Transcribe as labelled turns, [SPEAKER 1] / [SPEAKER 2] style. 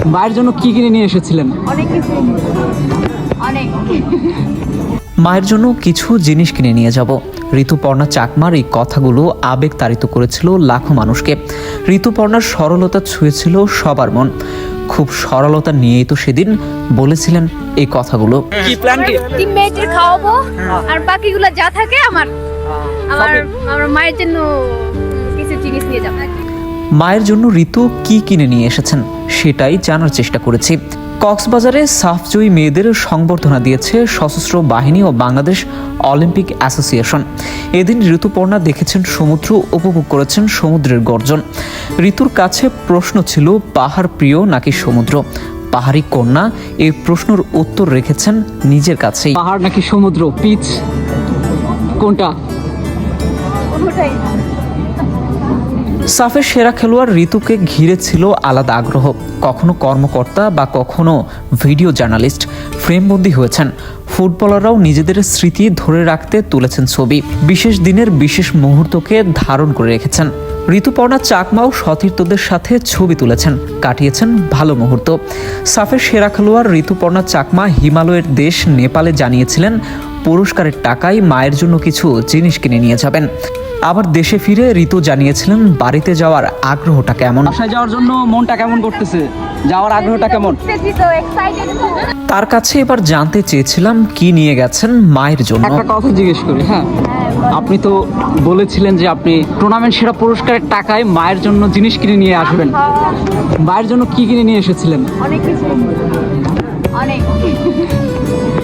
[SPEAKER 1] মায়ের জন্য কি কিনে নিয়ে এসেছিলেন?
[SPEAKER 2] অনেক কিছু, অনেক।
[SPEAKER 3] মায়ের জন্য কিছু জিনিস কিনে নিয়ে যাব। ঋতুপর্ণা চাকমার এই কথাগুলো আবেগ তাড়িত করেছিল লাখো মানুষকে। ঋতুপর্ণার সরলতা ছুঁয়েছিল সবার মন। খুব সরলতা নিয়েই তো সেদিন বলেছিলেন এই কথাগুলো।
[SPEAKER 1] কি প্ল্যান কি?
[SPEAKER 2] টিমমেটদের খাওয়াবো আর বাকিগুলো যা থাকে আমার আমার আমার মায়ের জন্য কিছু জিনিস নিয়ে যাব।
[SPEAKER 3] মায়ের জন্য ঋতু কি কিনে নিয়ে এসেছেন সেটাই জানার চেষ্টা করেছি। কক্সবাজারে সাফজয়ী মেয়েদের সংবর্ধনা দিয়েছে সশস্ত্র বাহিনী ও বাংলাদেশ অলিম্পিক অ্যাসোসিয়েশন। এদিন ঋতুপর্ণা দেখেছেন সমুদ্র, উপভোগ করেছেন সমুদ্রের গর্জন। ঋতুর কাছে প্রশ্ন ছিল পাহাড় প্রিয় নাকি সমুদ্র। পাহাড়ি কন্যা এই প্রশ্নের উত্তর রেখেছেন নিজের কাছেই।
[SPEAKER 1] পাহাড় নাকি সমুদ্র, পিচ কোনটা?
[SPEAKER 2] কোনোটাই না।
[SPEAKER 3] সাফের সেরা খেলোয়াড় ঋতুকে ঘিরে ছিল আলাদা আগ্রহ। কখনো কর্মকর্তা বা কখনো ভিডিও জার্নালিস্ট ফ্রেমবন্দি হয়েছেন। ফুটবলাররাও নিজেদের স্মৃতি ধরে রাখতে তুলেছেন ছবি। বিশেষ দিনের বিশেষ মুহূর্তকে ধারণ করে রেখেছেন। ঋতুপর্ণা চাকমাও সতীর্থদের সাথে ছবি তুলেছেন, কাটিয়েছেন ভালো মুহূর্ত। সাফের সেরা খেলোয়াড় ঋতুপর্ণা চাকমা হিমালয়ের দেশ নেপালে জানিয়েছিলেন পুরস্কারের টাকায় মায়ের জন্য কিছু জিনিস কিনে নিয়ে যাবেন। আবার দেশে ফিরে ঋতু জানিয়েছিলেন বাড়িতে যাওয়ার আগ্রহটা কেমন।
[SPEAKER 1] বাসায় যাওয়ার জন্য মনটা কেমন করতেছে? যাওয়ার আগ্রহটা কেমন?
[SPEAKER 2] তো এক্সাইটেড।
[SPEAKER 3] তার কাছে এবার জানতে চেয়েছিলাম কি নিয়ে গেছেন মায়ের জন্য।
[SPEAKER 1] একটা কথা জিজ্ঞেস করি, হ্যাঁ, আপনি তো বলেছিলেন যে আপনি টুর্নামেন্ট সেরা পুরস্কারের টাকায় মায়ের জন্য জিনিস কিনে নিয়ে আসবেন। মায়ের জন্য কি কিনে নিয়ে এসেছিলেন?
[SPEAKER 2] অনেক কিছু, অনেক।